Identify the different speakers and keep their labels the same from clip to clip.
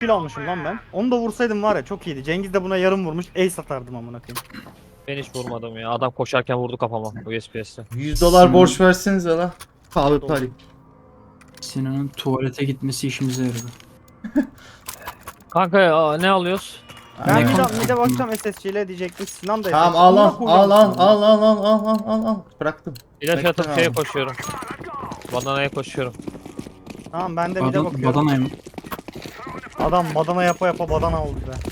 Speaker 1: kill almışım lan ben. Onu da vursaydım var ya çok iyiydi. Cengiz de buna yarım vurmuş. Ace atardım amına koyayım.
Speaker 2: Ben hiç vurmadım ya. Adam koşarken vurdu kafama USPS'te.
Speaker 3: $100 borç versenize la. Kahve
Speaker 1: Doğru.
Speaker 3: pari.
Speaker 4: Sinan'ın tuvalete gitmesi işimize yaradı.
Speaker 2: Kanka ne alıyoruz?
Speaker 1: Ben
Speaker 4: Ne
Speaker 1: bir
Speaker 4: kanka?
Speaker 1: de bakacağım SSC ile diyecektim. Sinan da
Speaker 3: Tamam
Speaker 1: SSC.
Speaker 3: al
Speaker 1: Amına
Speaker 3: al
Speaker 1: koyacağım
Speaker 3: al al
Speaker 1: Sinan'ı.
Speaker 3: al. Bıraktım.
Speaker 2: İlaç
Speaker 3: Bekle
Speaker 2: atıp
Speaker 3: abi.
Speaker 2: şeye koşuyorum. Badanaya koşuyorum.
Speaker 1: Tamam ben de bir de bakıyorum.
Speaker 4: Badana'ya mı?
Speaker 1: Adam badana yapa yapa badana oldu be.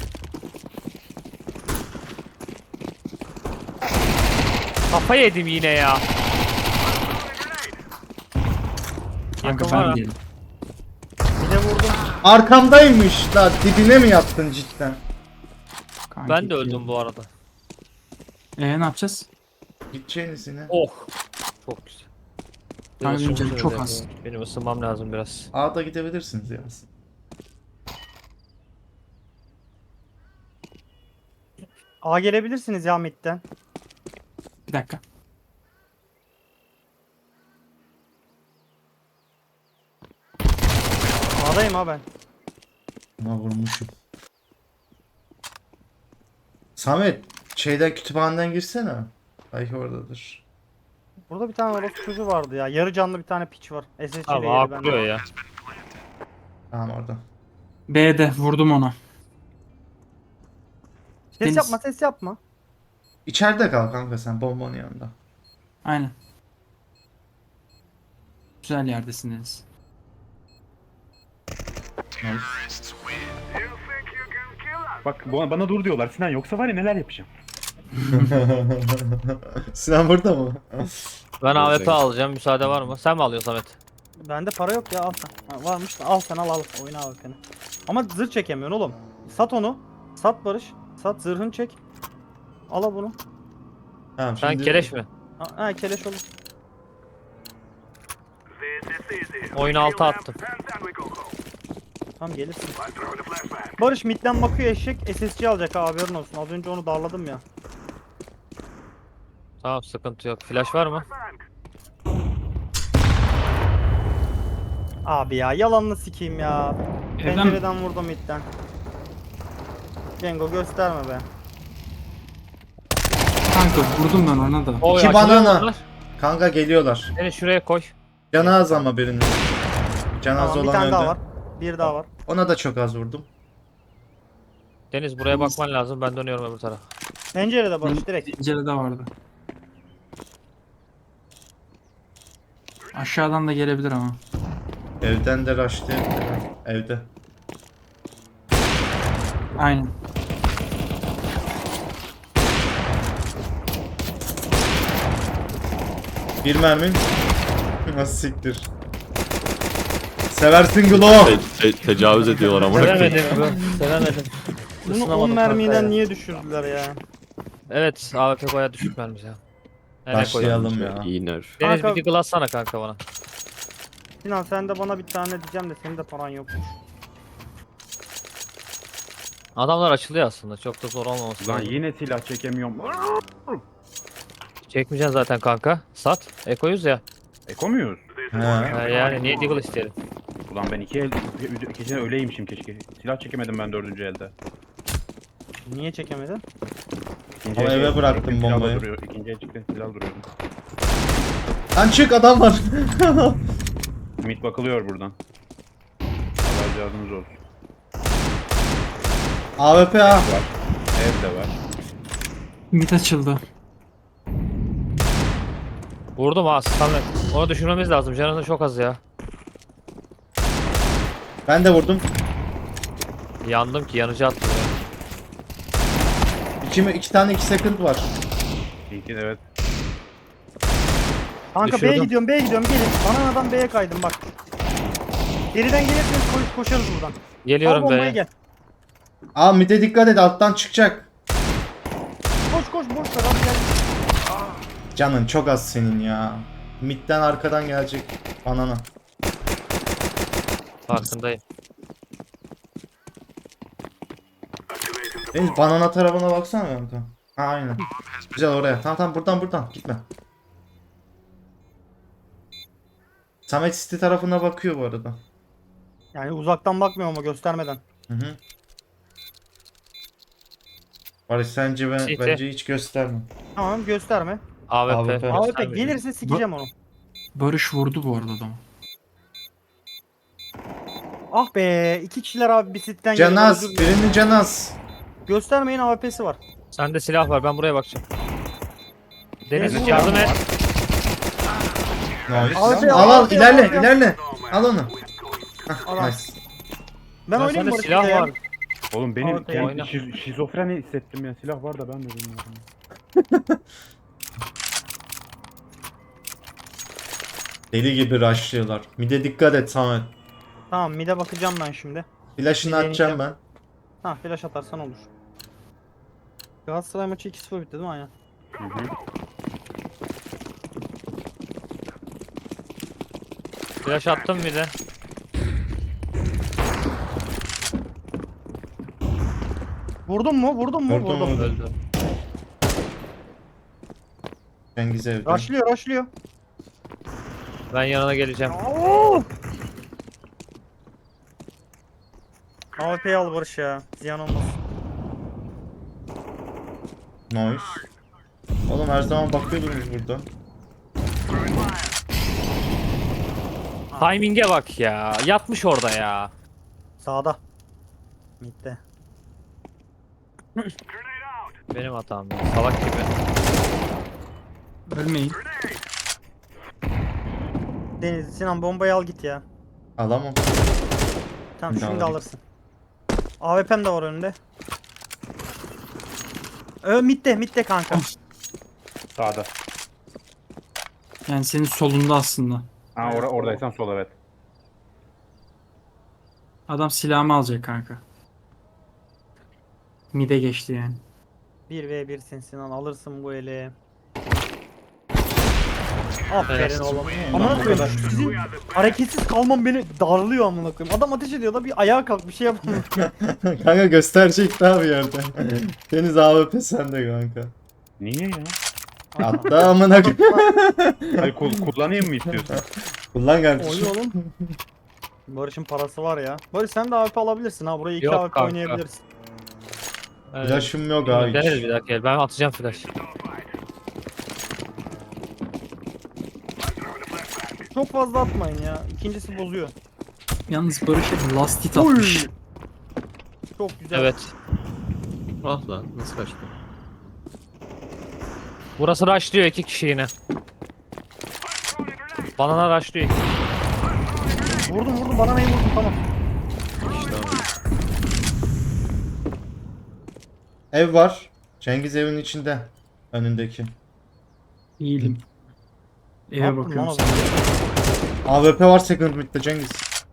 Speaker 2: Kafa yedim yine ya.
Speaker 4: Kanka
Speaker 2: Yakın var
Speaker 4: ben
Speaker 2: ha.
Speaker 4: değilim.
Speaker 1: Bir de vurdum.
Speaker 3: Arkamdaymış la. Dibine mi yattın cidden?
Speaker 4: Kanki
Speaker 2: Ben de öldüm bu arada.
Speaker 4: Ne yapacağız?
Speaker 3: Gideceğiniz yine.
Speaker 2: Oh. Çok güzel.
Speaker 4: Kanka benim canım çok
Speaker 2: ısınması
Speaker 4: az.
Speaker 2: lazım. Benim ısınmam lazım biraz.
Speaker 3: A'da gidebilirsiniz ya.
Speaker 1: A gelebilirsiniz ya midden.
Speaker 4: Bir dakika.
Speaker 1: A'dayım ha ben.
Speaker 3: Buna vurmuşum. Samet, şeyden kütüphaneden girsene. Belki oradadır.
Speaker 1: Burada bir tane orospu çocuğu vardı ya. Yarı canlı bir tane piç var. SSC ile
Speaker 2: Abi
Speaker 1: yedi
Speaker 2: A
Speaker 1: bende.
Speaker 2: kuruyor ya.
Speaker 3: Tamam orada.
Speaker 4: B'de vurdum ona.
Speaker 1: Ses
Speaker 4: Deniz.
Speaker 1: yapma ses yapma.
Speaker 3: İçeride kal kanka sen bombanın yanında.
Speaker 4: Aynen. Güzel yerdesiniz.
Speaker 5: Bak bana dur diyorlar Sinan, yoksa var ya neler yapacağım.
Speaker 3: Sinan burada mı?
Speaker 2: Ben AWP alacağım. Müsaade var mı? Sen mi alıyorsun Samet?
Speaker 1: Bende para yok ya al sen. Ha, varmış da al sen al. Oyna al seni. Ama zırh çekemiyorsun oğlum. Sat onu. Sat Barış. Sat zırhını çek. Al bunu.
Speaker 3: Tamam
Speaker 2: Sen
Speaker 3: şimdi...
Speaker 2: keleş mi?
Speaker 1: Ha keleş olur.
Speaker 2: Oyunu alta attım.
Speaker 1: Tamam gelirsin. Barış midden bakıyor eşek SSC alacak ha haberin olsun. Az önce onu darladım ya.
Speaker 2: Tamam sıkıntı yok. Flash var mı?
Speaker 1: Abi ya yalanını sikeyim ya.
Speaker 4: Evden mi?
Speaker 1: Pencereden vurdum midden. Cengo gösterme be.
Speaker 4: Kanka vurdum ben ona da.
Speaker 2: Oy,
Speaker 3: İki
Speaker 2: açılıyor
Speaker 3: banana.
Speaker 2: bunlar.
Speaker 3: Kanka geliyorlar.
Speaker 2: Beni şuraya koy.
Speaker 3: Canı az ama birinin. Canı az
Speaker 1: Tamam bir
Speaker 3: olan
Speaker 1: tane
Speaker 3: öldü.
Speaker 1: daha var. Bir daha var.
Speaker 3: Ona da çok az vurdum.
Speaker 2: Deniz buraya bakman lazım. Ben dönüyorum öbür tarafa.
Speaker 1: Pencerede Barış direkt.
Speaker 4: Pencerede vardı. Aşağıdan da gelebilir ama.
Speaker 3: Evden de rushlayabilir. Evde.
Speaker 4: Aynen.
Speaker 3: Bir mermi. Nasıl siktir. Seversin Glow.
Speaker 6: Tecavüz ediyorlar ama.
Speaker 2: Sevemedim bu. Sevemedim.
Speaker 1: Bunu
Speaker 2: Isınamadım
Speaker 1: 10
Speaker 2: kanka ya.
Speaker 1: mermiden niye düşürdüler ya?
Speaker 2: Evet AWP baya düşük mermi ya. Nereye koyalım?
Speaker 3: Başlayalım ya.
Speaker 6: İyi nerf.
Speaker 2: Deniz
Speaker 1: Kanka-
Speaker 2: bir deagle atsana kanka bana.
Speaker 1: Sinan sen de bana bir tane diyeceğim de senin de paran yokmuş.
Speaker 2: Adamlar açılıyor aslında. Çok da zor olmaması
Speaker 5: Lan
Speaker 2: lazım.
Speaker 5: yine silah çekemiyorum.
Speaker 2: Çekmeyeceksin zaten kanka. Sat. Ekoyuz ya.
Speaker 5: Eko muyuz?
Speaker 3: He.
Speaker 2: Yani niye deagle isteyelim?
Speaker 5: Ulan ben ikisine öyleymişim keşke. Silah çekemedim ben dördüncü elde.
Speaker 1: Niye çekemedin?
Speaker 5: İkinci
Speaker 3: Ama
Speaker 5: el
Speaker 3: eve
Speaker 5: çıktı,
Speaker 3: bıraktım
Speaker 5: silah da
Speaker 3: bombayı.
Speaker 5: duruyor. İkinci el çıktı silah duruyordu.
Speaker 3: Lan çık adam var.
Speaker 5: Mid bakılıyor buradan. Allah cihazınız olsun.
Speaker 3: AWP ha.
Speaker 5: Var. Ev de var.
Speaker 4: Mid açıldı.
Speaker 2: Vurdum ha Samet. Onu düşürmemiz lazım. Canının çok az ya.
Speaker 3: Ben de vurdum.
Speaker 2: Yandım ki yanıcı attım ya.
Speaker 3: İki tane 2 second var.
Speaker 5: İki de evet.
Speaker 1: Kanka
Speaker 2: Düşürdüm.
Speaker 1: B'ye gidiyorum gelin. Bananadan B'ye kaydım bak. Geriden gelirseniz koşarız buradan. Al
Speaker 2: Geliyorum
Speaker 1: bombayı
Speaker 2: be.
Speaker 1: gel.
Speaker 3: Aa mid'e dikkat et alttan çıkacak.
Speaker 1: Koş boş ver abi gel.
Speaker 3: Canın çok az senin ya. Mid'den arkadan gelecek banana.
Speaker 2: Farkındayım.
Speaker 3: Deniz banana tarafına baksana kanka. Ha aynen. Güzel oraya. Tamam buradan gitme. Samet City tarafına bakıyor bu arada.
Speaker 1: Yani uzaktan bakmıyor ama göstermeden.
Speaker 3: Hı hı. Barış sence
Speaker 2: CT.
Speaker 3: bence hiç gösterme.
Speaker 1: Tamam gösterme.
Speaker 2: AWP.
Speaker 3: AWP.
Speaker 1: AWP
Speaker 2: göstermeyeceğim.
Speaker 1: gelirse sikeceğim onu.
Speaker 4: Barış vurdu bu arada adamı.
Speaker 1: Ah be, iki kişiler abi bir sitten geliyor.
Speaker 3: Canaz,
Speaker 1: Özür dilerim.
Speaker 3: birini Canaz.
Speaker 1: Göstermeyin, AWP'si var.
Speaker 2: Sende silah var ben buraya bakacağım. Deniz
Speaker 1: Deniz
Speaker 2: yardım
Speaker 1: var.
Speaker 2: et.
Speaker 3: Nice.
Speaker 1: Abi,
Speaker 3: Al al
Speaker 1: abi,
Speaker 3: ilerle
Speaker 1: abi.
Speaker 3: ilerle. Al onu. Hah,
Speaker 1: Adam.
Speaker 3: nice.
Speaker 1: Ben
Speaker 2: Lan
Speaker 1: oynayayım
Speaker 2: sende
Speaker 1: Barış
Speaker 2: silah
Speaker 1: bir de ya.
Speaker 2: var.
Speaker 5: Oğlum benim
Speaker 1: Ortaya
Speaker 5: kendi
Speaker 2: oyna.
Speaker 5: şizofreni hissettim ya. Silah var da ben de bilmiyorum.
Speaker 3: Deli gibi rushlıyorlar. Mide dikkat et Samet.
Speaker 1: Tamam mid'e bakacağım ben şimdi.
Speaker 3: Flash'ını
Speaker 1: Bir
Speaker 3: atacağım ben.
Speaker 1: Ha flash atarsan olur. Galatasaray maçı 2-0 bitti değil mi? Aynen.
Speaker 5: Hı hı.
Speaker 2: Flash attım bir de.
Speaker 1: Vurdun mu? Vurdun mu?
Speaker 3: Vurdum,
Speaker 1: Vurdum.
Speaker 3: vurdum.
Speaker 2: Öldü.
Speaker 3: Cengiz evde.
Speaker 1: Rushlıyor, rushlıyor.
Speaker 2: Ben yanına geleceğim.
Speaker 1: AWP'yi al Barış ya. Ziyan olmaz.
Speaker 3: Nice. Oğlum her zaman bakıyordunuz burada.
Speaker 2: Timing'e bak ya. Yatmış orada ya.
Speaker 1: Sağda. Mid'de.
Speaker 2: Benim hatam ya. Salak gibi.
Speaker 4: Ölmeyin.
Speaker 1: Deniz, Sinan bombayı al git ya.
Speaker 3: Alamam.
Speaker 1: Tamam
Speaker 3: Bir daha
Speaker 1: şimdi
Speaker 3: alayım.
Speaker 1: alırsın. AWP'm de var önünde. Mid'de kanka.
Speaker 5: Sağda.
Speaker 4: Yani senin solunda aslında.
Speaker 5: Ha oradaysan sol evet.
Speaker 4: Adam silahımı alacak kanka. Mide geçti yani.
Speaker 1: 1v1'sin Sinan, alırsın bu eli. Aferin
Speaker 2: Evet.
Speaker 1: oğlum. Amına koyayım, sizin hareketsiz kalmam beni darlıyor amına koyayım. Adam ateş ediyor da bir ayağa kalk bir şey yapamıyor.
Speaker 3: Kanka gösterecek daha bir yerde. Deniz AWP sende kanka.
Speaker 5: Niye ya?
Speaker 3: Hatta amına koyayım.
Speaker 5: Hayır kullanayım mı istiyorsun?
Speaker 3: Kullan kardeşim.
Speaker 1: Oyun oğlum. Barış'ın parası var ya. Barış sen de AWP alabilirsin ha. Burayı 2
Speaker 2: Yok
Speaker 1: AWP
Speaker 2: kanka.
Speaker 1: oynayabilirsin.
Speaker 3: Flash'ım yok ha
Speaker 2: Deneriz
Speaker 3: hiç.
Speaker 2: bir dakika. Ben atacağım flash.
Speaker 1: Çok fazla atmayın ya. İkincisi bozuyor.
Speaker 4: Yalnız Barış'a last hit atmış.
Speaker 1: Çok güzel.
Speaker 2: Evet.
Speaker 6: Ah lan nasıl kaçtı?
Speaker 2: Burası rushlıyor 2 kişi yine. Banana rushlıyor.
Speaker 1: Vurdum bana neyi vurdun tamam.
Speaker 6: İşte abi.
Speaker 3: Ev var. Cengiz evin içinde. Önündeki.
Speaker 4: İyiydim.
Speaker 1: Ne
Speaker 4: Eve
Speaker 1: yaptın
Speaker 4: bakıyorum
Speaker 1: lan o
Speaker 4: sana.
Speaker 1: zaman?
Speaker 3: AWP var second mid'de Cengiz.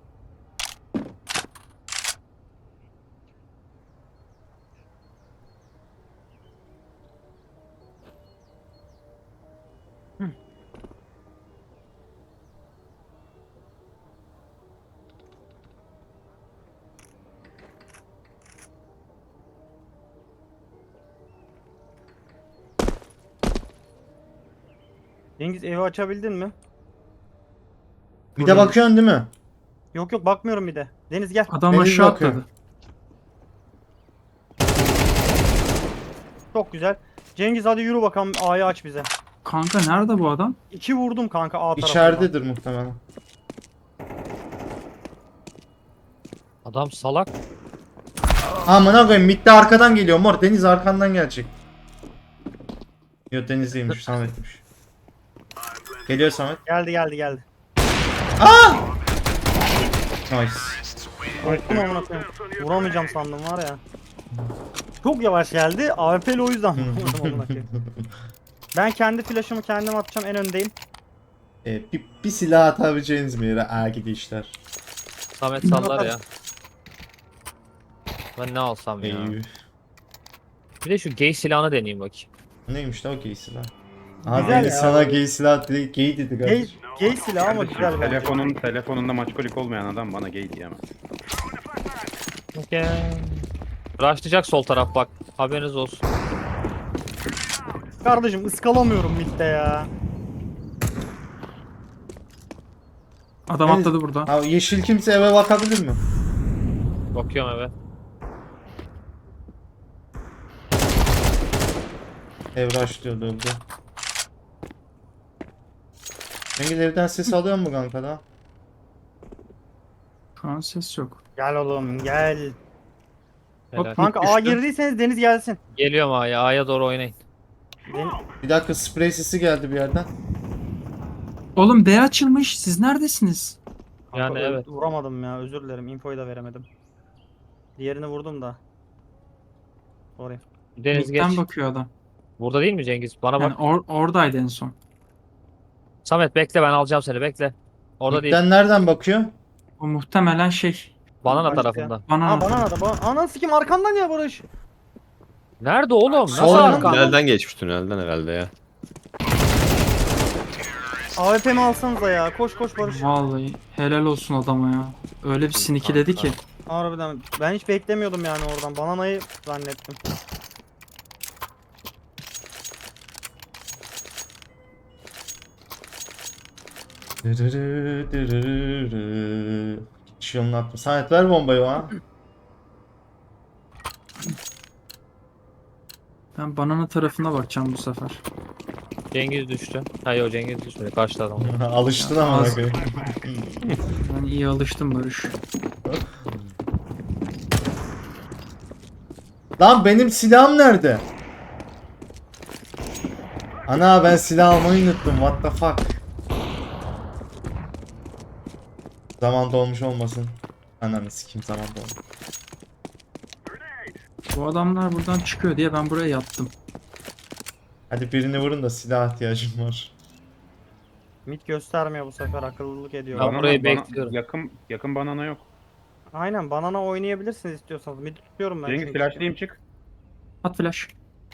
Speaker 1: Cengiz evi açabildin mi?
Speaker 3: Bir de bakıyorsun değil mi?
Speaker 1: Yok bakmıyorum bir de. Deniz gel.
Speaker 4: Adam
Speaker 3: Deniz
Speaker 4: aşağı
Speaker 3: bakıyor.
Speaker 4: atladı.
Speaker 1: Çok güzel. Cengiz hadi yürü bakalım, A'yı aç bize.
Speaker 4: Kanka nerede bu adam?
Speaker 1: 2 vurdum kanka A tarafından.
Speaker 3: İçeridedir muhtemelen.
Speaker 2: Adam salak.
Speaker 3: Amına koyayım midde arkadan geliyor mor. Deniz arkandan gelecek. Yok Deniz değilmiş Samet'miş. Geliyor Samet.
Speaker 1: Geldi.
Speaker 3: Nice.
Speaker 1: Korktum amına koyayım. Vuramayacağım sandım var ya. Çok yavaş geldi. AWP'li o yüzden vurdum amına koyayım. Ben kendi flash'ımı kendim atacağım, en öndeyim.
Speaker 3: Bir silah atabileceğiniz mi yere? Aa gidişler.
Speaker 2: Samet sallar ya. Ben ne alsam ya.
Speaker 3: Eyvah.
Speaker 2: Bir de şu gay silahını deneyeyim bakayım.
Speaker 3: Neymiş la o gay silah? Aha
Speaker 1: Güzel
Speaker 3: Deniz
Speaker 1: ya.
Speaker 3: sana gay silah dedi. Gay dedi
Speaker 1: Gay,
Speaker 3: kardeşim.
Speaker 1: gay silah ama güzel bence.
Speaker 5: Telefonunda maçkolik olmayan adam bana gay diyemez.
Speaker 2: Okay. Rushlayacak sol taraf bak. Haberiniz olsun.
Speaker 1: Kardeşim ıskalamıyorum midde ya.
Speaker 4: Adam
Speaker 3: Deniz-
Speaker 4: atladı burada.
Speaker 3: Ha, yeşil kimse eve bakabilir mi?
Speaker 2: Bakıyorum eve.
Speaker 3: Ev rushlıyordu öldü. Cengiz evden ses alıyor mu kanka da?
Speaker 4: Şu an ses yok.
Speaker 1: Gel oğlum gel.
Speaker 2: Helal.
Speaker 1: Kanka A girdiyseniz Deniz gelsin.
Speaker 2: Geliyorum A'ya. A'ya doğru oynayın.
Speaker 3: Bir dakika sprey sesi geldi bir yerden.
Speaker 4: Oğlum B açılmış. Siz neredesiniz?
Speaker 1: Kanka
Speaker 2: Yani evet.
Speaker 1: Vuramadım ya, özür dilerim. Infoyu da veremedim. Diğerini vurdum da. Sorry.
Speaker 2: Deniz geç.
Speaker 4: Mid'den bakıyor adam.
Speaker 2: Burada değil mi Cengiz? Bana
Speaker 4: Yani
Speaker 2: bak.
Speaker 4: oradaydı en son.
Speaker 2: Samet bekle, ben alacağım seni, bekle. Orada değil.
Speaker 3: Midden nereden bakıyor?
Speaker 4: O muhtemelen şey.
Speaker 2: Banana
Speaker 1: Başka.
Speaker 2: tarafında.
Speaker 4: Bana
Speaker 1: Ha bana da bana. Ana sikim arkamdan ya Barış.
Speaker 2: Nerede oğlum? Nasıl
Speaker 3: Sol
Speaker 2: arkan?
Speaker 6: Tünelden geçmiş tünelden herhalde ya.
Speaker 1: AWP'mi alsanıza ya. Koş koş Barış.
Speaker 4: Vallahi helal olsun adama ya. Öyle bir sinikiledi ki.
Speaker 1: Harbiden. Ben hiç beklemiyordum yani oradan. Bananayı zannettim.
Speaker 3: Dırırı, dırırı. Hiç yolunu attım. Samet ver bombayı ha.
Speaker 4: Ben banana tarafına bakacağım bu sefer.
Speaker 2: Cengiz düştü. Hayır, Cengiz düşmedi. Karşıda adam.
Speaker 3: Alıştın ama.
Speaker 4: Az-
Speaker 3: bakayım.
Speaker 4: Ben iyi alıştım Barış.
Speaker 3: Lan benim silahım nerede? Ana ben silah almayı unuttum. What the fuck? Zaman dolmuş olmasın. Ananı sikeyim zaman dolmuş.
Speaker 4: Bu adamlar buradan çıkıyor diye ben buraya yattım.
Speaker 3: Hadi birini vurun da silah ihtiyacım var.
Speaker 1: Mid göstermiyor bu sefer, akıllılık ediyor.
Speaker 2: Ben burayı bekliyorum.
Speaker 5: Yakın banana yok.
Speaker 1: Aynen, banana oynayabilirsiniz istiyorsanız. Mid tutuyorum ben.
Speaker 5: Cengiz
Speaker 1: çünkü.
Speaker 5: flashlayayım çık.
Speaker 4: At flash.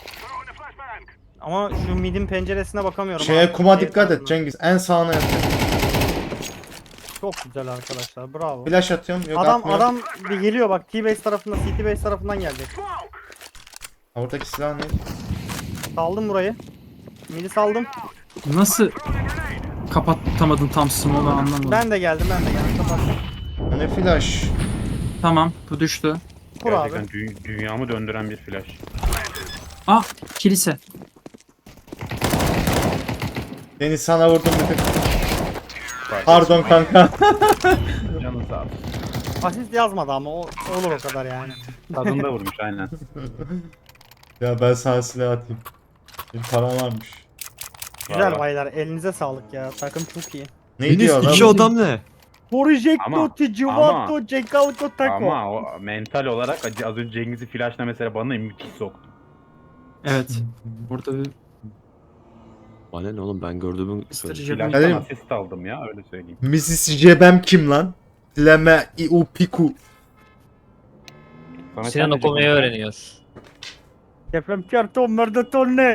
Speaker 1: Ama şu midin penceresine bakamıyorum.
Speaker 3: Şeye
Speaker 1: Abi,
Speaker 3: kuma
Speaker 1: ev
Speaker 3: dikkat et
Speaker 1: tarafına.
Speaker 3: Cengiz. En sağına yat.
Speaker 1: Çok güzel arkadaşlar, bravo.
Speaker 3: Flash atıyorum. Yok
Speaker 1: Adam
Speaker 3: atmıyorum.
Speaker 1: bir geliyor bak, T-base tarafından, CT-base tarafından gelecek.
Speaker 3: Ha, buradaki silah ne?
Speaker 1: Saldım burayı. Mid'i saldım.
Speaker 4: Nasıl kapatamadın tam smoke'u anlamadım.
Speaker 1: Ben de geldim. Kapattım.
Speaker 3: Ha, ne flash?
Speaker 4: Tamam bu düştü.
Speaker 1: Kur abi.
Speaker 5: Gerçekten dünyamı döndüren bir flash.
Speaker 4: Ah kilise.
Speaker 3: Deniz sana vurdum bir tık.
Speaker 5: Bak,
Speaker 3: Pardon kanka.
Speaker 5: Canın sağ olsun.
Speaker 1: Asist yazmadı ama olur o kadar yani.
Speaker 5: Tadında vurmuş aynen.
Speaker 3: Ya ben sana silah atayım. Bir param varmış.
Speaker 1: Güzel
Speaker 5: var.
Speaker 1: baylar, elinize sağlık ya. Takım çok iyi.
Speaker 3: Ne diyor
Speaker 6: İki
Speaker 3: lan?
Speaker 6: adam ne?
Speaker 1: Projecto
Speaker 5: Ama-
Speaker 1: Tijuvato Cekauto Taco.
Speaker 5: Ama o mental olarak az önce Cengiz'i flashla mesela bana müthiş soktu.
Speaker 4: Evet. Burada bir
Speaker 6: Bana ne oğlum, ben gördüğümü
Speaker 4: ısıtırıcı
Speaker 3: Hadi.
Speaker 5: Flash'tan asist aldım ya öyle söyleyeyim.
Speaker 3: Mrs. Jebem kim lan? Dileme iu piku.
Speaker 5: Sana
Speaker 2: Sinan
Speaker 5: sen de
Speaker 2: okumayı
Speaker 5: Cengiz-
Speaker 2: öğreniyor.
Speaker 1: Deprem karton merdatone.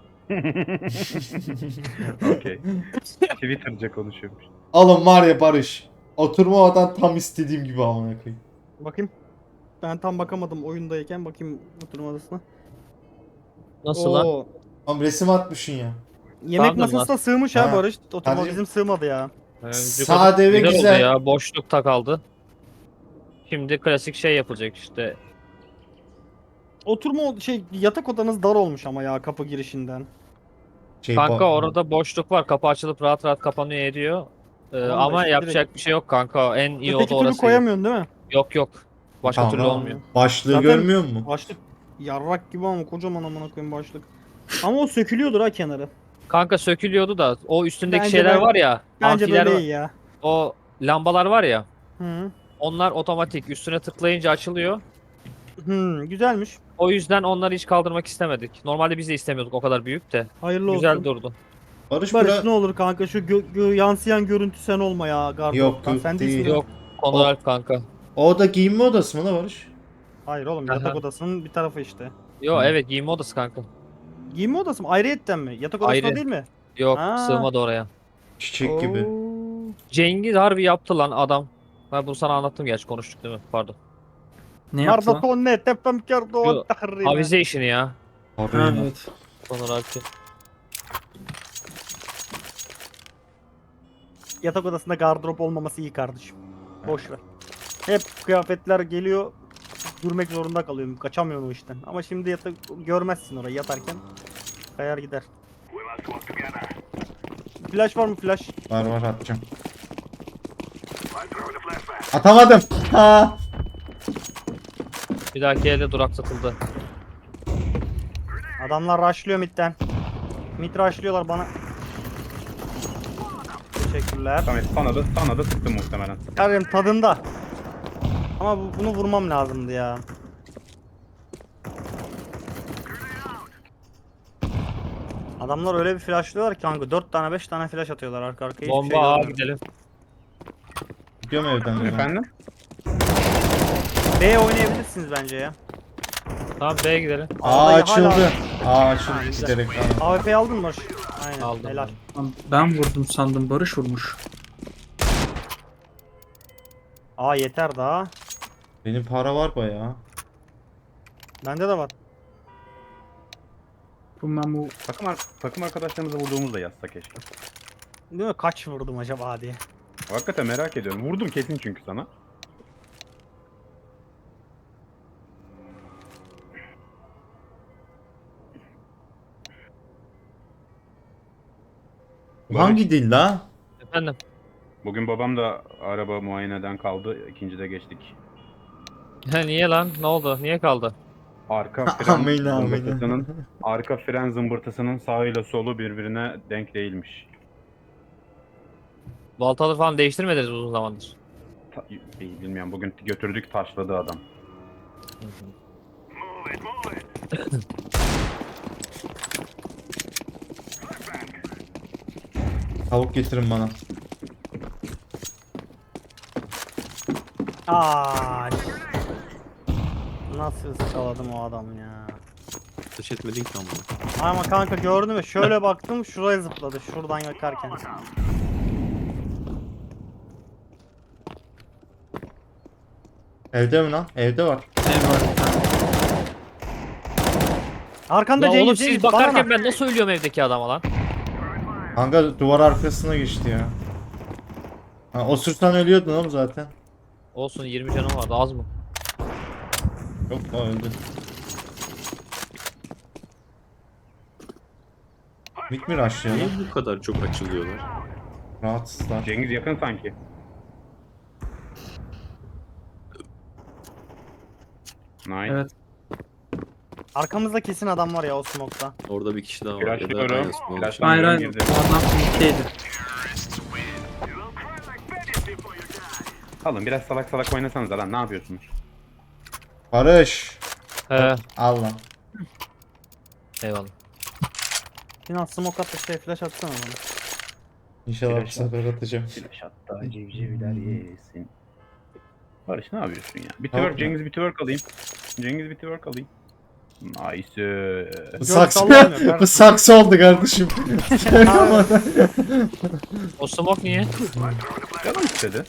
Speaker 5: Okey. Twitter'ca konuşuyormuş.
Speaker 3: Alın var ya Barış. Oturma odan tam istediğim gibi amına koyayım.
Speaker 1: Bakayım. Ben tam bakamadım oyundayken, bakayım oturma odasına.
Speaker 2: Nasıl lan?
Speaker 1: Oo,
Speaker 3: Oğlum resim atmışsın ya.
Speaker 1: yemek
Speaker 2: Pardon lan.
Speaker 1: masasına sığmış ha
Speaker 3: Ha.
Speaker 1: Barış. Oturma
Speaker 3: Kardeşim.
Speaker 1: bizim sığmadı ya.
Speaker 3: Sade ve
Speaker 2: Güzel
Speaker 3: güzel.
Speaker 2: oldu ya. Boşlukta kaldı. Şimdi klasik şey yapılacak işte.
Speaker 1: Yatak odanız dar olmuş ama ya, kapı girişinden.
Speaker 2: Kanka orada boşluk var. Kapı açılıp rahat rahat kapanıyor ediyor.
Speaker 1: Tamam da
Speaker 2: Ama
Speaker 1: işte
Speaker 2: yapacak bir şey yok kanka. En iyi
Speaker 1: Öteki
Speaker 2: oda
Speaker 1: türlü
Speaker 2: orası.
Speaker 1: koyamıyorsun değil mi?
Speaker 2: Yok yok. Başka
Speaker 3: Tamam.
Speaker 2: türlü olmuyor.
Speaker 3: Başlığı
Speaker 1: Zaten-
Speaker 3: görmüyor musun?
Speaker 1: Başlık yarrak gibi ama kocaman amına koyayım başlık. Ama o sökülüyordur ha kenarı.
Speaker 2: Kanka sökülüyordu da o üstündeki
Speaker 1: Bence
Speaker 2: şeyler
Speaker 1: böyle-
Speaker 2: var ya.
Speaker 1: Bence
Speaker 2: amfiler
Speaker 1: böyle
Speaker 2: var.
Speaker 1: iyi ya.
Speaker 2: O lambalar var ya.
Speaker 1: Hı.
Speaker 2: Onlar otomatik. Üstüne tıklayınca açılıyor.
Speaker 1: Güzelmiş.
Speaker 2: O yüzden onları hiç kaldırmak istemedik. Normalde biz de istemiyorduk o kadar büyük de.
Speaker 1: Hayırlı
Speaker 2: Güzel
Speaker 1: olsun.
Speaker 2: durdu.
Speaker 3: Barış
Speaker 1: Barış
Speaker 3: bura...
Speaker 1: ne olur kanka şu yansıyan görüntü sen olma ya Gardo.
Speaker 3: Yok,
Speaker 1: Lan
Speaker 3: yok
Speaker 1: sen
Speaker 3: değil.
Speaker 1: değilsin.
Speaker 2: Yok. Konur Alp kanka.
Speaker 3: O da giyinme odası mı la Barış?
Speaker 1: Hayır oğlum,
Speaker 2: Aha.
Speaker 1: yatak odasının bir tarafı işte.
Speaker 2: Yo
Speaker 3: Hı.
Speaker 2: evet, giyinme odası kanka.
Speaker 1: Giyinme odası mı? Ayrıyetten mi? Yatak odasında
Speaker 2: Ayrı.
Speaker 1: değil mi?
Speaker 2: Yok
Speaker 1: Ha.
Speaker 2: sığmadı oraya.
Speaker 3: Çiçek gibi.
Speaker 1: Oo.
Speaker 2: Cengiz harbi yaptı lan adam. Ben bunu sana anlattım gerçi, konuştuk değil mi? Pardon.
Speaker 4: ne yaptı lan?
Speaker 1: Mardatonne tepem kardo
Speaker 2: Yo,
Speaker 1: tahrime.
Speaker 2: Avize işini ya.
Speaker 4: Ha,
Speaker 3: Abi.
Speaker 4: evet.
Speaker 2: Konur Alp'i.
Speaker 1: Yatak odasında gardırop olmaması iyi kardeşim. Boş ver. Hep kıyafetler geliyor. Durmak zorunda kalıyorum. Kaçamıyorum o işten. Ama şimdi görmezsin orayı yatarken. kayar gider. Flash var mı flash?
Speaker 3: Var var atacağım. Atamadım. Ha.
Speaker 2: Bir dahaki elde durak satıldı.
Speaker 1: Adamlar rushlıyor midden. Mid rushlıyorlar bana. Teşekkürler.
Speaker 5: Samet sana da sıktım muhtemelen.
Speaker 1: Karim tadında. Ama bunu vurmam lazımdı ya. Adamlar öyle bir flashlıyorlar ki kanka 4 tane 5 tane flash atıyorlar arka arkaya hiçbir
Speaker 2: Bomba
Speaker 1: şey
Speaker 2: A
Speaker 1: görmüyorum.
Speaker 2: gidelim.
Speaker 3: Gidiyorum evden. ya.
Speaker 5: Efendim?
Speaker 1: B oynayabilirsiniz bence ya.
Speaker 2: Tamam B'ye gidelim.
Speaker 3: Aa
Speaker 1: A'dayı
Speaker 3: açıldı.
Speaker 1: hala-
Speaker 3: Aa açıldı giderek. Tamam.
Speaker 1: AWP'yi aldın mı Barış? Aynen
Speaker 2: Aldım.
Speaker 1: helal.
Speaker 4: Lan ben vurdum sandım, Barış vurmuş.
Speaker 1: Aa yeter daha.
Speaker 3: Benim para var bayağı.
Speaker 1: Bende de var.
Speaker 4: Bu memu
Speaker 5: Takım arkadaşlarımıza vurduğumuzda yazsa keşke.
Speaker 1: Değil mi? Kaç vurdum acaba diye.
Speaker 5: Hakikaten merak ediyorum. Vurdum kesin çünkü sana.
Speaker 3: Bu hangi dil la?
Speaker 2: Efendim.
Speaker 5: Bugün babam da araba muayeneden kaldı. İkincide geçtik.
Speaker 2: Niye lan? Ne oldu? Niye kaldı?
Speaker 5: Arka fren
Speaker 3: Amin, amin.
Speaker 5: zımbırtısının arka fren zımbırtısının sağıyla solu birbirine denk değilmiş.
Speaker 2: Baltaları falan değiştirmediniz uzun zamandır.
Speaker 5: Bilmiyorum bugün götürdük taşladı adam.
Speaker 3: Tavuk getirin bana.
Speaker 1: Aa. Nasıl ıskaladım o adam ya.
Speaker 6: Ateş etmedin ki ama.
Speaker 1: Ama kanka gördün mü? Şöyle baktım şuraya zıpladı. Şuradan yakarken.
Speaker 3: Evde mi lan? Evde var.
Speaker 4: ev var bir tane.
Speaker 1: Arkanda
Speaker 2: Lan
Speaker 1: Cengiz,
Speaker 2: oğlum
Speaker 1: Cengiz,
Speaker 2: siz
Speaker 1: bana
Speaker 2: bakarken
Speaker 1: bak.
Speaker 2: ben nasıl ölüyorum evdeki adama lan?
Speaker 3: Kanka duvar arkasına geçti ya. Ha, osursan ölüyordun oğlum zaten.
Speaker 2: Olsun 20 canım vardı az mı?
Speaker 3: Yok lan öldü. Mid mi rushlıyor lan?
Speaker 6: Niye bu kadar çok açılıyorlar?
Speaker 3: Rahatsızlar.
Speaker 5: Cengiz yakın sanki. Nice.
Speaker 4: Evet.
Speaker 1: Arkamızda kesin adam var ya o smoke'ta.
Speaker 6: Orada bir kişi daha var. Ya da
Speaker 5: Flashlıyorum.
Speaker 6: aynısı mı olmuş?
Speaker 5: Flashlıyorum.
Speaker 4: Hayır hayır,
Speaker 5: girdi.
Speaker 4: o adam mid'deydi.
Speaker 5: Alın biraz salak salak oynasanız lan ne yapıyorsunuz?
Speaker 3: Barış.
Speaker 2: He.
Speaker 3: Al lan.
Speaker 2: Eyvallah.
Speaker 1: Sinan smoke attı şey flash atsana bana.
Speaker 3: İnşallah bu
Speaker 5: Flash
Speaker 3: sefer atacağım.
Speaker 5: Flash hatta civcivler yesin. Barış ne yapıyorsun ya? Bir
Speaker 3: Tamam.
Speaker 5: twerk Cengiz bir twerk alayım. Cengiz bir twerk alayım. Nice.
Speaker 3: Bu saksı,
Speaker 1: sallamıyor kardeşim.
Speaker 3: bu saksı oldu kardeşim.
Speaker 2: O smoke niye?
Speaker 5: Canım istedi.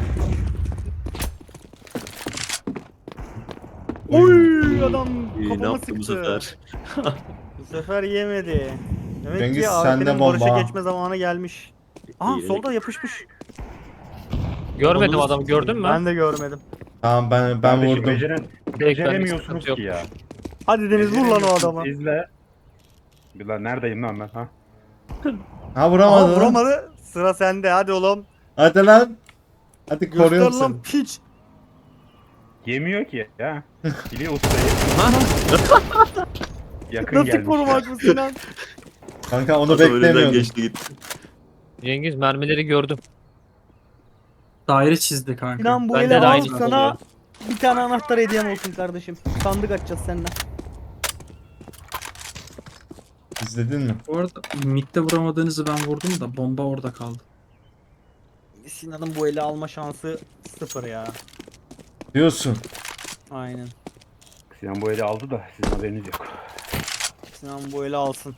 Speaker 1: Oy adam
Speaker 6: İyi, ne
Speaker 1: kafama
Speaker 6: yaptı bu
Speaker 1: sıktı.
Speaker 6: sefer?
Speaker 1: Bu sefer yemedi. Demek
Speaker 3: Cengiz,
Speaker 1: ki
Speaker 3: sende
Speaker 1: AWP'nin
Speaker 3: bomba.
Speaker 1: Barış'a geçme zamanı gelmiş. Aha
Speaker 6: İyi,
Speaker 1: solda yapışmış.
Speaker 2: Görmedim
Speaker 6: Onu-
Speaker 2: adamı gördün mü?
Speaker 1: Ben de görmedim.
Speaker 3: Tamam ben
Speaker 5: Kardeşim,
Speaker 3: vurdum.
Speaker 5: Beceremiyorsunuz
Speaker 2: sıkıntı
Speaker 5: ki ya.
Speaker 1: Hadi Deniz vur lan o adamı.
Speaker 5: İzle. Bilal neredeyim lan ben ha?
Speaker 3: Ha
Speaker 1: Aha
Speaker 3: vuramadı lan.
Speaker 1: vuramadı. Sıra sende hadi oğlum.
Speaker 3: Hadi lan. Hadi
Speaker 1: Göster
Speaker 3: koruyorum seni.
Speaker 1: lan piç.
Speaker 5: Yemiyor ki ya. Biliyor ustayı. Yakın
Speaker 1: Nasıl
Speaker 5: gelmiş.
Speaker 1: korumak bu Sinan?
Speaker 3: Kanka onu
Speaker 6: Adam önünden
Speaker 3: beklemiyordum.
Speaker 6: geçti gitti.
Speaker 2: Cengiz mermileri gördüm.
Speaker 4: Daire çizdi kanka.
Speaker 1: Sinan bu
Speaker 2: Bende
Speaker 1: ele
Speaker 2: de
Speaker 1: al
Speaker 2: aynı
Speaker 1: sana
Speaker 2: oluyor.
Speaker 1: bir tane anahtar hediyem olsun kardeşim. Sandık açacağız seninle.
Speaker 3: İzledin mi?
Speaker 4: Bu arada mid'de vuramadığınızı ben vurdum da bomba orada kaldı.
Speaker 1: Sinan'ın bu ele alma şansı sıfır ya.
Speaker 3: Diyorsun.
Speaker 1: Aynen.
Speaker 5: Sinan bu eli aldı da sizin haberiniz yok.
Speaker 1: Sinan bu ele alsın.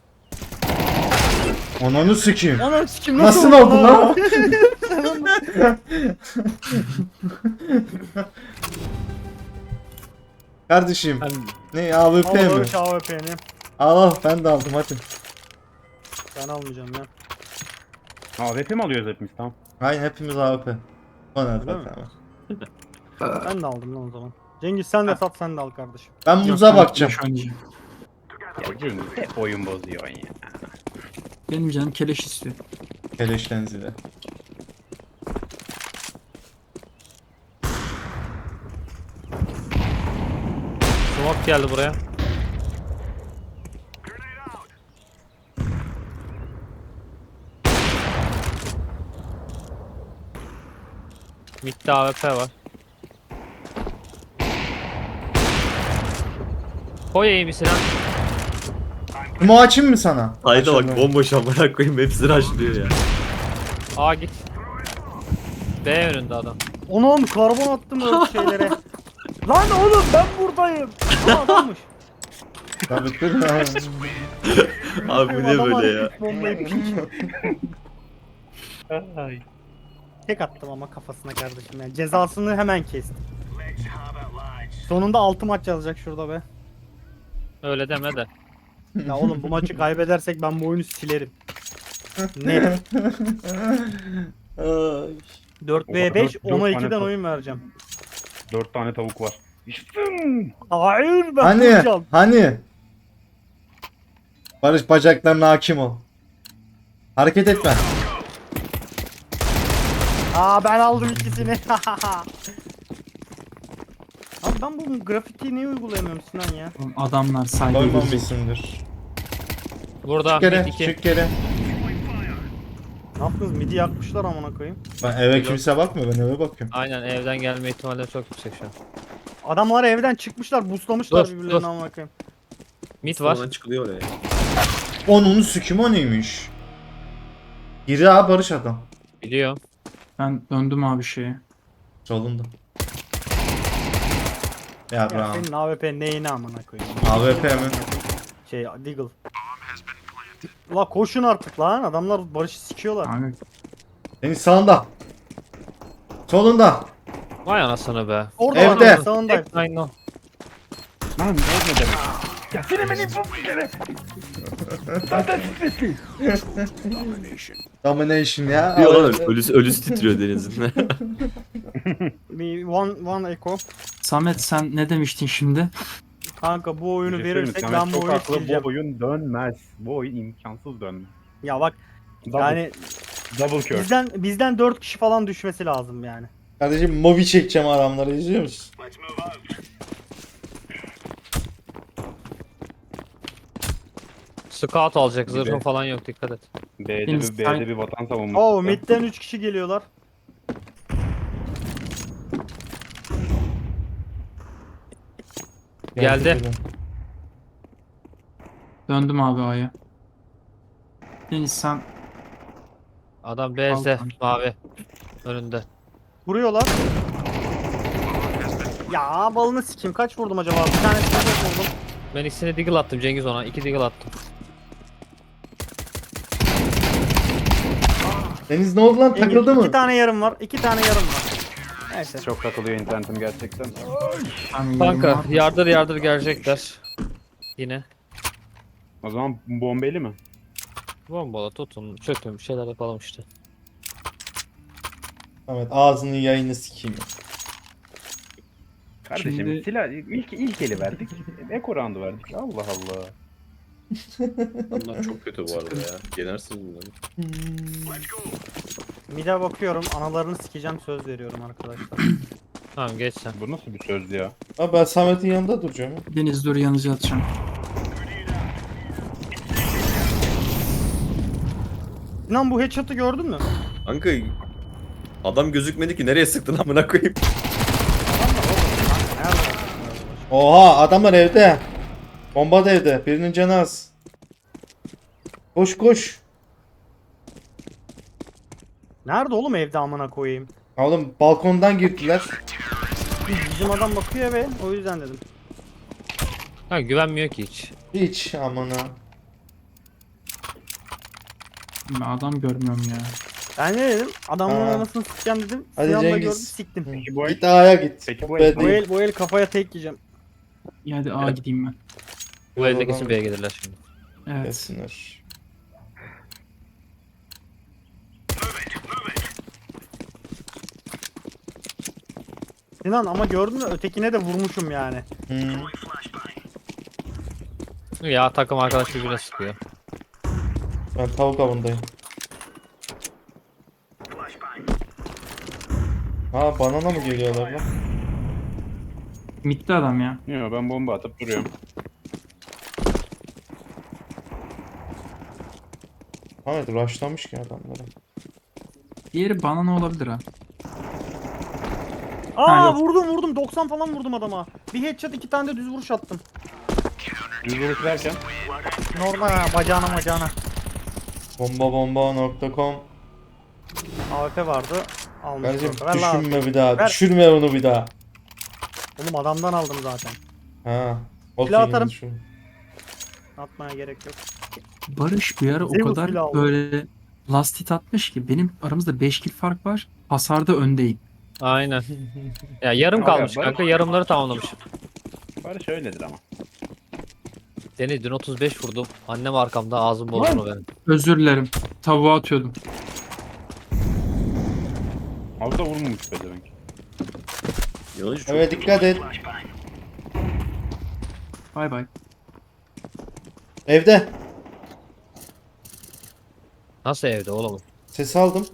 Speaker 3: Ananı sikeyim.
Speaker 1: Ana sikim
Speaker 3: Nasıl oldu lan? Kardeşim.
Speaker 2: Ben
Speaker 3: Ne AWP
Speaker 1: Al
Speaker 3: mi?
Speaker 1: Barış AWP'ni.
Speaker 3: Al ben de aldım hadi.
Speaker 1: Ben almayacağım ya.
Speaker 5: AWP mi alıyoruz hepimiz tamam?
Speaker 3: Aynen hepimiz AWP. Bana
Speaker 1: Öyle mi?
Speaker 3: tamam.
Speaker 1: Ben de aldım lan o zaman. Cengiz sen de sat sen de al kardeşim.
Speaker 3: Ben
Speaker 4: Yok,
Speaker 3: muza
Speaker 4: ben
Speaker 3: bakacağım.
Speaker 4: flash oynayacağım.
Speaker 5: Ya Cengiz hep oyun bozuyorsun ya.
Speaker 4: Benim canım keleş istiyor.
Speaker 3: Keleşten zile.
Speaker 2: Smoke geldi buraya. Mid'de AWP var. Koy iyi bir silah.
Speaker 3: Kumu açayım mı sana?
Speaker 6: Hayda bak
Speaker 3: Açalım.
Speaker 6: bomboş amına koyayım hepsini açlıyor ya.
Speaker 2: A git. B önünde adam.
Speaker 1: Onun karbon attım öyle şeylere. Lan oğlum ben buradayım. Aa, adammış.
Speaker 3: Tabii dur ya.
Speaker 6: Abi bu ne böyle ya?
Speaker 1: Bombayı piç. Tek attım ama kafasına kardeşim yani. Cezasını hemen kestim. Sonunda 6 maç yazacak şurada be.
Speaker 2: Öyle deme de.
Speaker 1: Ya oğlum bu maçı kaybedersek ben bu oyunu silerim. Net.
Speaker 3: Ay.
Speaker 1: 4v5
Speaker 5: Dört
Speaker 1: 10'a
Speaker 5: tane
Speaker 1: 2'den
Speaker 5: top.
Speaker 1: oyun vereceğim.
Speaker 5: 4 tane tavuk var. İşte.
Speaker 1: Hayır ben
Speaker 3: Hani?
Speaker 1: vuracağım.
Speaker 3: Hani? Barış bacaklarına hakim ol. Hareket etme.
Speaker 1: Aa ben aldım ikisini. Abi ben bu grafitiyi niye uygulayamıyorum Sinan ya?
Speaker 4: Oğlum adamlar saygı gelecek.
Speaker 3: Koymamışsındır.
Speaker 2: Burada
Speaker 3: Çık kere,
Speaker 2: mid 2.
Speaker 3: çık kere.
Speaker 1: Ne yaptınız? Midi yakmışlar amına koyayım.
Speaker 3: Ben eve kimse bakmıyor, ben eve bakıyorum.
Speaker 2: Aynen evden gelme ihtimalleri çok yüksek şu an.
Speaker 1: Adamlar evden çıkmışlar, buslamışlar
Speaker 2: Dur,
Speaker 1: birbirlerini
Speaker 2: dur.
Speaker 1: amına koyayım.
Speaker 2: Mid var.
Speaker 6: Falan çıkılıyor oraya.
Speaker 3: Onun sükim o neymiş? Biri ha Barış adam.
Speaker 2: Biliyorum.
Speaker 4: Ben döndüm abi şeye.
Speaker 3: Solunda. Ya
Speaker 1: Ya
Speaker 3: bravo.
Speaker 1: senin AWP neyine amına koyayım?
Speaker 3: AWP mi?
Speaker 1: Şey Deagle. La koşun artık lan, adamlar Barış'ı sikiyorlar.
Speaker 4: Abi
Speaker 3: Senin sağında. Solunda.
Speaker 2: Vay anasını be.
Speaker 1: Orada
Speaker 3: Evde.
Speaker 1: adam sağında.
Speaker 2: Aynen o.
Speaker 5: Lan ne demek? Ya seni beni bu bir kere. Zaten stresli.
Speaker 3: Domination ya.
Speaker 6: Diyor lan
Speaker 3: AWP.
Speaker 6: ölüsü titriyor Deniz'in.
Speaker 1: Bir one echo.
Speaker 4: Samet sen ne demiştin şimdi?
Speaker 1: Kanka bu oyunu
Speaker 5: Bir şey söyleyeyim mi?
Speaker 1: verirsek
Speaker 5: Samet
Speaker 1: ben bu
Speaker 5: çok
Speaker 1: oyunu
Speaker 5: haklı,
Speaker 1: sileceğim.
Speaker 5: bu oyun dönmez. Bu oyun imkansız dönmez.
Speaker 1: Ya bak
Speaker 5: Double,
Speaker 1: yani
Speaker 5: double curve.
Speaker 1: bizden 4 kişi falan düşmesi lazım yani.
Speaker 3: Kardeşim mobi çekeceğim adamları izliyor musun?
Speaker 2: Scout alacak.
Speaker 5: Bir
Speaker 2: Zırhın
Speaker 5: de-
Speaker 2: falan yok dikkat et.
Speaker 4: Deniz, sen-
Speaker 5: B'de bir vatan savunması.
Speaker 1: Oo midden 3 kişi geliyorlar.
Speaker 2: Geldi.
Speaker 4: Döndüm abi A'ya. Deniz sen
Speaker 2: Adam B'de
Speaker 4: Al.
Speaker 2: mavi. Önünde.
Speaker 1: Vuruyorlar. Ya balını sikeyim, kaç vurdum acaba? Bir tane vurdum.
Speaker 2: Ben ikisini deagle attım Cengiz ona. 2 deagle attım.
Speaker 3: Deniz ne oldu lan, takıldı
Speaker 1: İki
Speaker 3: mı?
Speaker 1: tane yarım var. 2 tane yarım var. Neyse.
Speaker 5: Çok takılıyor internetim gerçekten.
Speaker 4: hani
Speaker 2: Kanka
Speaker 4: yarım var.
Speaker 2: yardır gelecekler. Yine.
Speaker 5: O zaman bombeli mi?
Speaker 2: Bombala tutun çökün bir şeyler yapalım işte.
Speaker 3: Evet, ağzının yayını sikeyim.
Speaker 5: Kardeşim
Speaker 4: Şimdi-
Speaker 5: silah ilk eli verdik. Eko roundu verdik. Allah Allah.
Speaker 6: Bunlar çok kötü bu arada ya. Yenersiniz bunları.
Speaker 1: Mide bakıyorum. Analarını sikeceğim, söz veriyorum arkadaşlar.
Speaker 2: Tamam geç sen.
Speaker 5: Bu nasıl bir sözdü ya?
Speaker 3: Abi ben Samet'in yanında duracağım. ya.
Speaker 4: Deniz dur yanıcı atacağım.
Speaker 1: Sinan bu headshot'ı gördün mü?
Speaker 6: Kanka adam gözükmedi ki nereye sıktın amına koyayım.
Speaker 3: Oha, adamlar evde. Bomba da evde. Birinin canı az. Koş koş.
Speaker 1: Nerede oğlum evde amına koyayım?
Speaker 3: Oğlum balkondan girdiler.
Speaker 1: Bizim adam bakıyor be, o yüzden dedim.
Speaker 2: Ha güvenmiyor ki hiç.
Speaker 3: Hiç amına.
Speaker 4: Ben adam görmüyorum ya.
Speaker 1: Ben ne dedim? Adamın
Speaker 3: Aa.
Speaker 1: anasını sikeceğim dedim.
Speaker 3: Hadi
Speaker 1: Sinan da
Speaker 3: Cengiz.
Speaker 1: gördü, siktim.
Speaker 5: Peki bu el?
Speaker 3: Git A'ya git.
Speaker 5: Peki bu
Speaker 3: Bu
Speaker 5: el-
Speaker 3: el
Speaker 1: Bu
Speaker 3: değil.
Speaker 1: el kafaya tek yiyeceğim.
Speaker 4: İyi hadi A gideyim ben.
Speaker 2: Bu elde kesin B'ye gelirler şimdi.
Speaker 4: Evet.
Speaker 3: Gelsinler.
Speaker 1: Sinan ama gördün mü, ötekine de vurmuşum yani.
Speaker 3: Hmm.
Speaker 2: Ya takım arkadaş birbirine sıkıyor.
Speaker 3: Ben tavuk avındayım. Ha banana mı geliyorlar lan?
Speaker 4: Mid'de adam ya.
Speaker 5: Yok ben bomba atıp duruyorum.
Speaker 3: Evet rushlamış ki adamlara.
Speaker 4: Diğeri bana ne olabilir ha?
Speaker 1: Aa
Speaker 4: yok.
Speaker 1: vurdum 90 falan vurdum adama. Bir headshot 2 tane de düz vuruş attım.
Speaker 5: Düz vuruş derken.
Speaker 1: Normal ha bacağına.
Speaker 3: Bombabomba.com
Speaker 1: AWP vardı.
Speaker 3: Kardeşim
Speaker 1: Almıştım. Ver lan.
Speaker 3: düşürme bir daha.
Speaker 1: Ver.
Speaker 3: Düşürme onu bir daha.
Speaker 1: Oğlum adamdan aldım zaten.
Speaker 3: Ha. O
Speaker 1: Silah
Speaker 3: filmi
Speaker 1: atarım.
Speaker 3: düşün.
Speaker 1: Atmaya gerek yok.
Speaker 4: Barış bir ara o
Speaker 1: Zeus
Speaker 4: kadar
Speaker 1: bile aldı.
Speaker 4: böyle last hit atmış ki benim aramızda 5 kill fark var. Hasarda öndeyim.
Speaker 2: Aynen. Ya yarım
Speaker 5: Abi,
Speaker 2: kalmış
Speaker 5: Barış-
Speaker 2: kanka. Yarımları tamamlamış.
Speaker 5: Barış öyledir ama.
Speaker 2: Deniz dün 35 vurdum. Annem arkamda ağzım bozuldu benim.
Speaker 4: Özür dilerim. Tavuğa atıyordum.
Speaker 5: Az da vurmamış be demek.
Speaker 6: Yanlış çok
Speaker 3: Evet dikkat et.
Speaker 4: Bay bay.
Speaker 3: Evde.
Speaker 2: Nasıl evde oğlum?
Speaker 3: Ses aldım.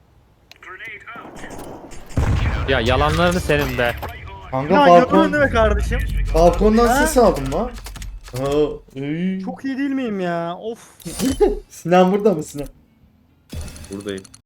Speaker 2: Ya yalanlarını senin be.
Speaker 3: Kanka
Speaker 1: Ya
Speaker 3: balkon,
Speaker 1: gördün değil mi kardeşim?
Speaker 3: balkondan
Speaker 1: Ha?
Speaker 3: ses aldım lan. Aa, ey.
Speaker 1: Çok iyi değil miyim ya? Of.
Speaker 3: Sinan burada mı Sinan?
Speaker 6: buradayım.